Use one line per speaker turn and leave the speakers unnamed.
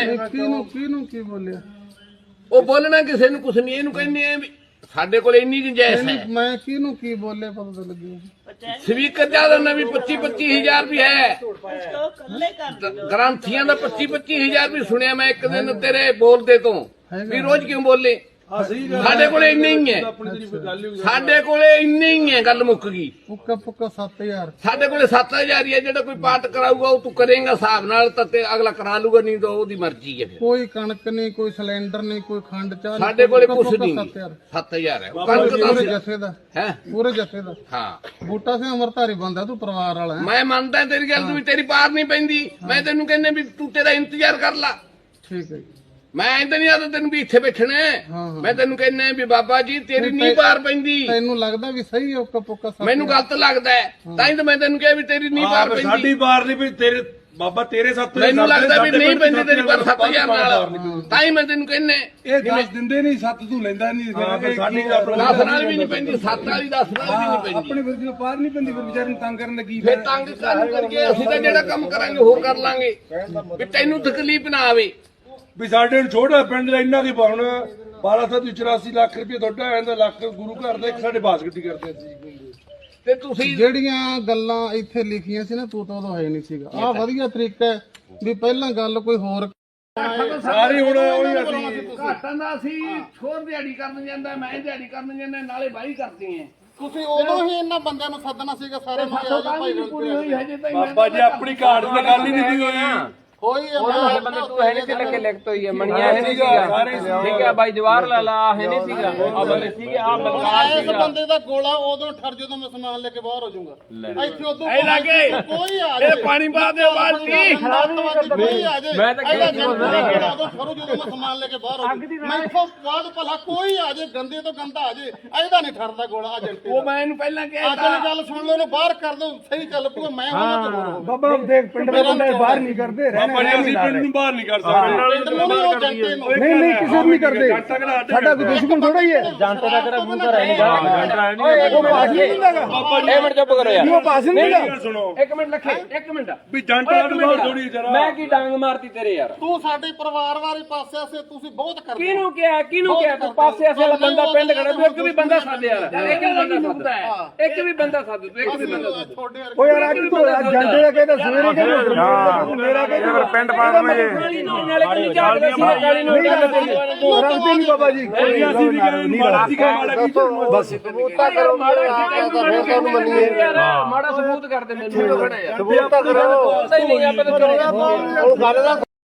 ਕਿਹਨੂੰ ਕੀ ਬੋਲਿਆ?
ਉਹ ਬੋਲਣਾ ਕਿਸੇ ਨੂੰ ਕੁਛ ਨਹੀਂ, ਇਹਨੂੰ ਕਹਿੰਦੇ ਆ ਵੀ ਸਾਡੇ ਕੋਲ ਇੰਨੀ ਗੁੰਜਾਇਸ਼ ਹੈ।
ਮੈਂ ਕਿਹਨੂੰ ਕੀ ਬੋਲਿਆ ਪਤਾ ਤਾਂ ਲੱਗਿਆ।
ਸਪੀਕਰ ਜਿਆਦਾ ਨਾ ਵੀ 25-25 ਵੀ ਹੈ, ਗ੍ਰੰਥੀਆਂ ਦਾ 25-25 ਵੀ ਸੁਣਿਆ ਮੈਂ ਇੱਕ ਦਿਨ ਤੇਰੇ ਬੋਲਦੇ ਤੋਂ ਵੀ ਰੋਜ਼ ਕਿਉਂ ਬੋਲੇ। ਸਾਡੇ ਕੋਲੇ ਇੰਨੇ ਹੀ ਹੈ, ਸਾਡੇ ਕੋਲੇ ਇੰਨੇ ਹੀ ਹੈ, ਗੱਲ ਮੁੱਕ ਗਈ।
ਪੁੱਕਾ 7000
ਸਾਡੇ ਕੋਲੇ 7000 ਹੀ ਹੈ। ਜਿਹੜਾ ਕੋਈ ਪਾਠ ਕਰਾਊਗਾ ਉਹ ਤੂੰ ਕਰੇਗਾ ਹਿਸਾਬ ਨਾਲ ਤਾਂ ਤੇ ਅਗਲਾ ਕਰਾ ਲੂਗਾ, ਨਹੀਂ ਤਾਂ ਉਹਦੀ ਮਰਜ਼ੀ ਹੈ। ਫਿਰ
ਕੋਈ ਕਣਕ ਨਹੀਂ, ਕੋਈ ਸਿਲੰਡਰ ਨਹੀਂ, ਕੋਈ ਖੰਡ ਚਾਹ
ਸਾਡੇ ਕੋਲੇ ਕੁਛ ਨਹੀਂ। 7000 ਹੈ ਕਣਕ ਦਾ
ਜੱਥੇ ਦਾ
ਹੈ,
ਪੂਰੇ ਜੱਥੇ ਦਾ।
ਹਾਂ
ਬੂਟਾ ਸਿੰਘ ਅਮਰਧਾਰੀ ਬੰਦਾ, ਤੂੰ ਪਰਿਵਾਰ ਵਾਲਾ ਹੈ।
ਮੈਂ ਮੰਨਦਾ ਤੇਰੀ ਗੱਲ, ਤੂੰ ਵੀ ਤੇਰੀ ਪਾਰ ਨਹੀਂ ਪੈਂਦੀ। ਮੈਂ ਤੈਨੂੰ ਕਹਿੰਦਾ ਵੀ ਤੂੰ ਤੇਰਾ ਇੰਤਜ਼ਾਰ ਕਰ ਲਾ।
ਠੀਕ ਹੈ ਜੀ।
ਮੈਂ ਇੰਦਾ ਨਹੀਂ ਆਦਾ ਤੈਨੂੰ ਵੀ ਇੱਥੇ ਬੈਠਣਾ। ਮੈਂ ਤੈਨੂੰ ਕਹਿੰਦਾ ਵੀ ਬਾਬਾ ਜੀ ਤੇਰੀ ਨਹੀਂ ਪਾਰ ਪੈਂਦੀ।
ਤੈਨੂੰ ਲੱਗਦਾ ਵੀ ਸਹੀ ਹੈ ਪੁੱਕਾ?
ਮੈਨੂੰ ਗਲਤ ਲੱਗਦਾ ਹੈ, ਤਾਂ ਹੀ ਤਾਂ ਮੈਂ ਤੈਨੂੰ ਕਿਹਾ ਵੀ ਤੇਰੀ ਨਹੀਂ ਪਾਰ ਪੈਂਦੀ।
ਸਾਡੀ ਪਾਰ ਨਹੀਂ ਵੀ ਤੇਰੇ ਬਾਬਾ ਤੇਰੇ 7
ਮੈਨੂੰ ਲੱਗਦਾ ਵੀ ਨਹੀਂ ਪੈਂਦੀ ਤੇਰੀ ਪਾਰ 7000 ਨਾਲ, ਤਾਂ ਹੀ ਮੈਂ ਤੈਨੂੰ ਕਹਿੰਦਾ
ਇਹ 10 ਦਿੰਦੇ ਨਹੀਂ, 7 ਤੂੰ ਲੈਂਦਾ ਨਹੀਂ। ਸਾਡੀ
10 ਨਾਲ ਵੀ ਨਹੀਂ ਪੈਂਦੀ, 7 ਵਾਲੀ 10 ਨਾਲ ਵੀ ਨਹੀਂ ਪੈਂਦੀ।
ਆਪਣੇ ਫਿਰ ਜਦੋਂ ਪਾਰ ਨਹੀਂ ਪੈਂਦੀ ਫਿਰ ਵਿਚਾਰੇ ਨੂੰ ਤੰਗ ਕਰਨ ਦਾ ਕੀ
ਫਿਰ ਤੰਗ ਕਰਕੇ ਅਸੀਂ ਤਾਂ ਜਿਹੜਾ ਕੰਮ ਕਰਾਂਗੇ ਹੋਰ ਕਰ ਲਾਂਗੇ, ਵੀ ਤੈਨੂੰ ਤਕਲੀਫ ਨਾ ਆਵੇ।
ਵੀ ਸਾਡੇ ਨੂੰ ਛੋਟਾ ਪਿੰਡ ਦਾ ਇੰਨਾ ਕੀ ਪਾਉਣਾ 1284 ਲੱਖ ਰੁਪਏ ਤੁਹਾਡਾ ਇਹਦਾ ਲੱਖ ਗੁਰੂ ਘਰ ਦਾ, ਇੱਕ ਸਾਡੇ ਬਾਸਕਟੀ ਕਰਦੇ ਸੀ।
ਤੇ ਤੁਸੀਂ
ਜਿਹੜੀਆਂ ਗੱਲਾਂ ਇੱਥੇ ਲਿਖੀਆਂ ਸੀ ਨਾ, ਤੂੰ ਤਾਂ ਉਦੋਂ ਹੈ ਨਹੀਂ ਸੀਗਾ। ਆਹ ਵਧੀਆ ਤਰੀਕਾ ਹੈ ਵੀ ਪਹਿਲਾਂ ਗੱਲ ਕੋਈ ਹੋਰ
ਸਾਰੇ ਹੁਣ ਉਹੀ ਅਸੀਂ
ਘਾਟਾਂ ਦਾ ਅਸੀਂ ਛੋਰ ਦਿਹਾੜੀ ਕਰਨ ਜਾਂਦਾ, ਮੈਂ ਦਿਹਾੜੀ ਕਰਨ ਜਾਂਦਾ, ਨਾਲੇ ਬਾਈ ਕਰਦੇ ਆ।
ਤੁਸੀਂ ਉਦੋਂ ਹੀ ਇਹਨਾਂ ਬੰਦਿਆਂ ਨੂੰ ਸੱਦਣਾ ਸੀਗਾ ਸਾਰੇ ਨੂੰ।
ਪੂਰੀ ਹੋਈ ਹਜੇ ਤਾਂ
ਬਾਬਾ ਜੀ ਆਪਣੀ ਘਾਟ ਦੀ ਗੱਲ ਹੀ ਨਹੀਂ ਹੋਈ।
ਕੋਈ
ਬੰਦੇ ਤੂੰ ਹੈ ਨਹੀਂ ਸੀ ਲੱਗੇ ਲਿਖਤ ਹੋਈ ਹੈ, ਮਣੀਆਂ ਹੈ ਨਹੀਂ ਸੀਗਾ, ਠੀਕ ਹੈ ਬਾਈ ਜਵਾਹਰ ਲਾਲਾ ਹੈ ਨਹੀਂ ਸੀਗਾ, ਆ ਬੰਦੇ ਸੀਗੇ, ਆ ਬਲਕਾਰ
ਇਸ
ਸੀਗਾ।
ਬੰਦੇ ਦਾ ਗੋਲਾ ਉਦੋਂ ਠਰ ਜਦੋਂ ਮੈਂ ਸਮਾਨ ਲੈ ਕੇ ਬਾਹਰ ਹੋ ਜਾਊਂਗਾ। ਇੱਥੇ ਉਦੋਂ
ਇਹ ਲੱਗੇ
ਕੋਈ ਆ
ਇਹ ਪਾਣੀ ਪਾ ਦੇ ਬਾਲਟੀ।
ਕੋਈ ਆ ਜੇ
ਮੈਂ ਤਾਂ ਕਹਿੰਦਾ
ਉਦੋਂ ਠਰੂ ਜਦੋਂ ਮੈਂ ਸਮਾਨ ਲੈ ਕੇ ਬਾਹਰ ਹੋ ਜਾਊਂ। ਮੈਂ ਇੱਥੋਂ ਬਾਅਦ ਭਲਾ ਕੋਈ ਆ ਜੇ, ਗੰਦੇ ਤੋਂ ਗੰਦਾ ਆ ਜੇ, ਇਹਦਾ ਨਹੀਂ ਠਰਦਾ ਗੋਲਾ।
ਉਹ ਮੈਂ ਇਹਨੂੰ ਪਹਿਲਾਂ ਕਿਹਾ
ਅੱਜ ਦੀ ਗੱਲ ਸੁਣ ਲਓ, ਇਹਨੂੰ ਬਾਹਰ ਕਰ ਦੋ, ਸਹੀ ਚੱਲ ਪੂਗਾ। ਮੈਂ ਉਹਨਾਂ ਤੇ ਹੋਰ
ਬਾਬਾ ਦੇਖ ਪਿੰਡ ਦੇ ਬੰਦੇ ਬਾਹਰ ਨਹੀਂ ਕਰਦੇ, ਬਾਬਾ ਜੀ ਅਸੀਂ ਪਿੰਡ ਨੂੰ ਬਾਹਰ ਨਹੀਂ ਕਰ ਸਕਦੇ।
ਨਹੀਂ
ਕਿਸੇ ਨੂੰ ਨਹੀਂ ਕਰਦੇ, ਸਾਡਾ ਕੋਈ ਦੁਸ਼ਮਣ ਥੋੜਾ ਹੀ ਹੈ।
ਜੰਟਾ ਦਾ ਕਿਹੜਾ ਗੁਰੂ ਘਰ ਹੈ ਨਹੀਂ
ਉਹ ਪਾਸ ਨਹੀਂ ਹੁੰਦਾਗਾ ਬਾਬਾ ਜੀ,
ਮਿੰਟ ਚੁੱਪ ਕਰੋ ਯਾਰ।
ਉਹ ਪਾਸ ਨਹੀਂ ਹੁੰਦਾ। ਸੁਣੋ
ਇੱਕ ਮਿੰਟ ਲੱਖੇ, ਇੱਕ ਮਿੰਟ
ਵੀ ਜੰਟਾ ਨੂੰ ਬਾਹਰ ਥੋੜੀ ਜਰਾ
ਮੈਂ ਕੀ ਡਾਂਗ ਮਾਰਤੀ ਤੇਰੇ ਯਾਰ।
ਤੂੰ ਸਾਡੇ ਪਰਿਵਾਰ ਵਾਲੇ ਪਾਸੇ ਆਸੇ ਤੁਸੀਂ ਬਹੁਤ ਕਰਦੇ।
ਕਿਹਨੂੰ ਕਿਹਾ ਤੂੰ ਪਾਸੇ ਆਸੇ ਵਾਲਾ ਬੰਦਾ ਪਿੰਡ ਖੜਾ, ਤੂੰ ਇੱਕ ਵੀ ਬੰਦਾ ਸੱਦ ਯਾਰ, ਇੱਕ ਵੀ ਬੰਦਾ ਸੱਦ, ਇੱਕ ਵੀ ਬੰਦਾ ਸੱਦ, ਤੂੰ ਇੱਕ ਵੀ ਬੰਦਾ ਸੱਦ।
ਉਹ ਯਾਰ ਅੱਜ ਤੂੰ ਜੰਟੇ ਦਾ ਕਹਿੰਦਾ ਸਵੇਰੇ ਕਹਿੰਦਾ ਮੇਰਾ ਕਹਿੰਦਾ ਪਿੰਡ ਪਾਸ ਵਿੱਚ
ਕਾਲੀ ਨੂੰ ਨਾਲੇ ਕਿੰਨੀ ਝਾੜਦਾ ਸੀ, ਕਾਲੀ ਨੂੰ ਗੱਲ ਤੇਰੀ
ਰਲਦੇ ਨਹੀਂ ਬਾਬਾ ਜੀ, ਅਸੀਂ ਵੀ ਕਹਿੰਦੇ ਮਾੜਾ ਸੀ ਮਾੜਾ ਕੀ ਬਸ
ਮਾੜਾ ਸਬੂਤ ਕਰ ਦੇ ਮੈਨੂੰ ਖੜਾ ਯਾਰ।
ਸਬੂਤ ਤਾਂ ਕਰੋ।
ਨਹੀਂ ਆਪਾਂ ਤਾਂ